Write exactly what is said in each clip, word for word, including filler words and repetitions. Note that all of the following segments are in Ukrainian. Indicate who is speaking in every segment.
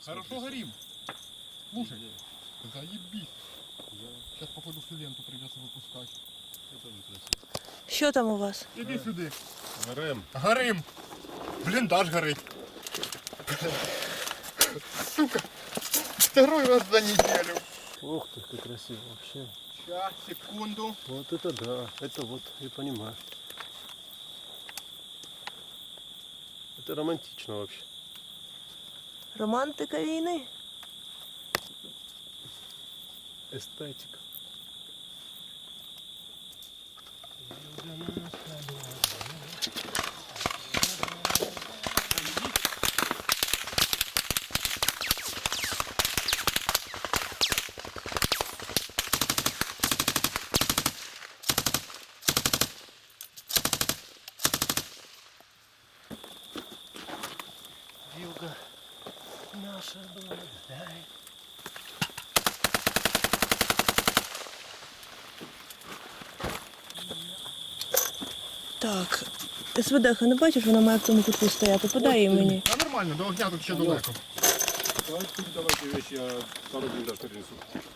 Speaker 1: Хорошо горим. Слушай, заебись. Сейчас походу всю ленту придется выпускать.
Speaker 2: Это тоже красиво.
Speaker 3: Що там у вас?
Speaker 1: Иди сюда.
Speaker 2: Горем.
Speaker 1: Горим. Блиндаж горит. Сука. Второй раз за неделю.
Speaker 2: Ух ты, как красиво вообще.
Speaker 1: Сейчас, секунду.
Speaker 2: Вот это да. Это вот, я понимаю. Это романтично вообще.
Speaker 3: Романтика війни?
Speaker 2: Эстетика. Вилка наша благодать.
Speaker 3: Так. СВД, не бачиш, вона має в тому кутку стояти. Подай її мені.
Speaker 1: А нормально, до огня тут ще далеко.
Speaker 2: Давайте, давайте вещи, я пару дней даже принесу.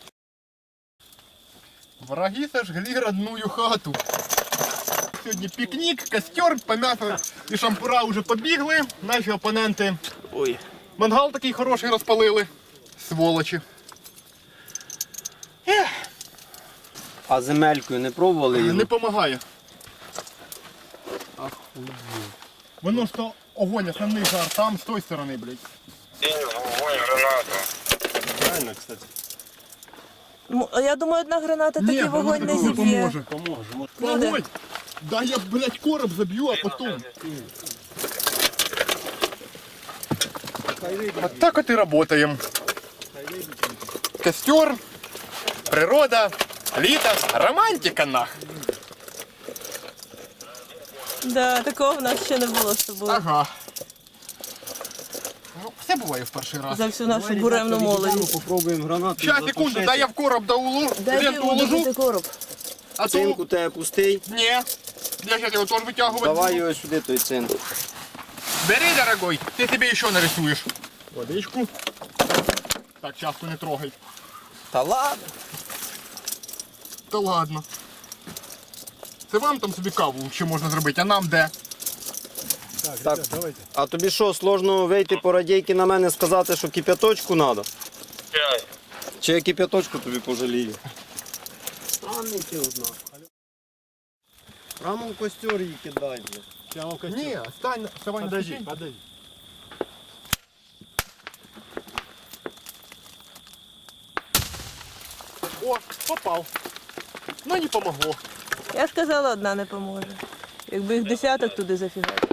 Speaker 1: Враги сожгли родную хату. Сьогодні пікнік, костер, по м'ясу і шампура вже побігли. Наші опоненти.
Speaker 2: Ой.
Speaker 1: Мангал такий хороший розпалили. Сволочі. Ех,
Speaker 4: А земелькою не пробували його?
Speaker 1: не допомагає.
Speaker 4: Ахуєть.
Speaker 1: Воно ж то огонь, основний жар там, з тої сторони, блядь.
Speaker 2: Правильно, кстати.
Speaker 3: М, а Я думаю, одна граната такий
Speaker 1: Ні,
Speaker 3: вогонь не
Speaker 1: воно
Speaker 3: зіб'є.
Speaker 1: поможе.
Speaker 2: Поможем. Вот.
Speaker 3: Ну, да.
Speaker 1: Вогонь! Да я, блядь, короб заб'ю, а потом. Вот так вот и работаем. Костер, природа, літо, романтика нах.
Speaker 3: Да, такого в нас ще не було з тобою.
Speaker 1: Ага. Ну, все буває в перший раз.
Speaker 3: За всю нашу буремну молодість.
Speaker 4: Попробуємо гранату.
Speaker 1: Щас, секунду, дай я в короб да улу,
Speaker 3: Дай ти
Speaker 1: ленту уложу.
Speaker 3: удобити короб.
Speaker 1: А
Speaker 4: Цинк
Speaker 1: то...
Speaker 4: у тебе пустий.
Speaker 1: Ні. Я сейчас його теж витягувати
Speaker 4: Давай
Speaker 1: буду.
Speaker 4: його сюди, той цинк.
Speaker 1: Бери, дорогой, ты себе еще нарисуешь. Водичку. Так, часто не трогай.
Speaker 4: Та ладно.
Speaker 1: Та ладно. Це вам там собі каву ще можна зробити, а нам де?
Speaker 2: Так,
Speaker 4: Так.
Speaker 2: ребят, давайте.
Speaker 4: А тобі що, сложно вийти по радійки на мене сказати, що кип'яточку треба? Чи я кип'яточку тобі пожалію? Странний ти одна. Прямо в костер її кидай, блядь.
Speaker 2: Я вам костюм.
Speaker 1: Ні, стань, вставай на
Speaker 2: Подожди,
Speaker 1: ступень.
Speaker 2: подожди.
Speaker 1: О, попав. Ну не помогло.
Speaker 3: Я ж казала, одна не поможе. Якби їх десяток туди зафігати.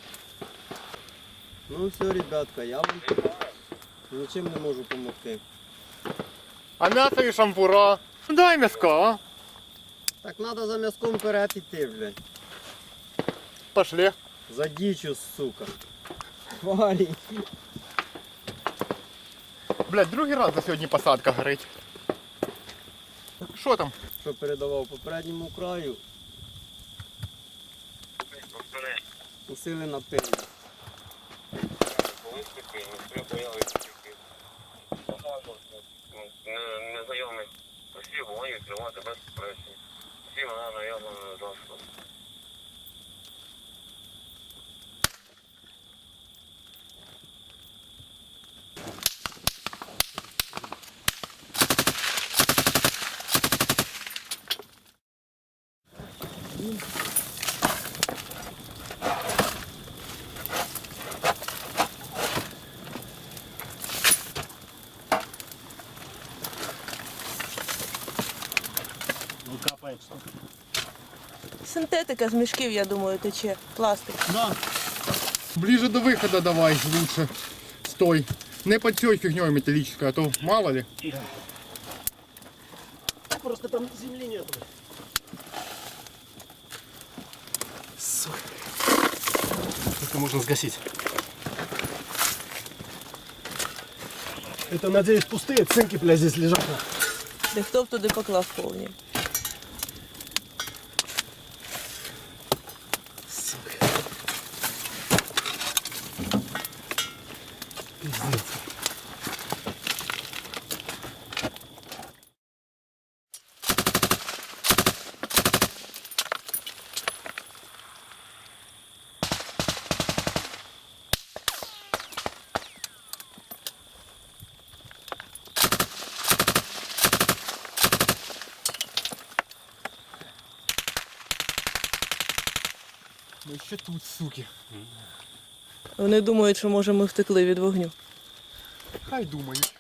Speaker 4: Ну все, ребятка, я вам нічим не можу допомогти.
Speaker 1: А м'ясо і шампура. Дай м'яска, а?
Speaker 4: Так треба за м'язком вперед іти, блядь.
Speaker 1: Пошли.
Speaker 4: За дічю, сука. Хвалі.
Speaker 1: Блядь, другий раз за сьогодні посадка горить. Що там?
Speaker 4: Що передавав попередньому краю. Усилена пиль.
Speaker 5: Незнайомий усі вогонь відкривати без пресії. Всі вона наявна засобом.
Speaker 2: Ну капает что?
Speaker 3: Синтетика з мішків, я думаю, тече. Пластик.
Speaker 1: Да. Ближе до выхода давай лучше. Стой. Не под цей фигней металлической, а то мало ли.
Speaker 2: Просто там земли нету. Сука. Это можно сгасить. Это, надеюсь, пустые цинки, бля, здесь лежат.
Speaker 3: Де хто б туди поклав повні.
Speaker 2: Сука. Пиздец.
Speaker 1: Ми ще тут, суки.
Speaker 3: Вони думають, що може ми втекли від вогню.
Speaker 1: Хай думають.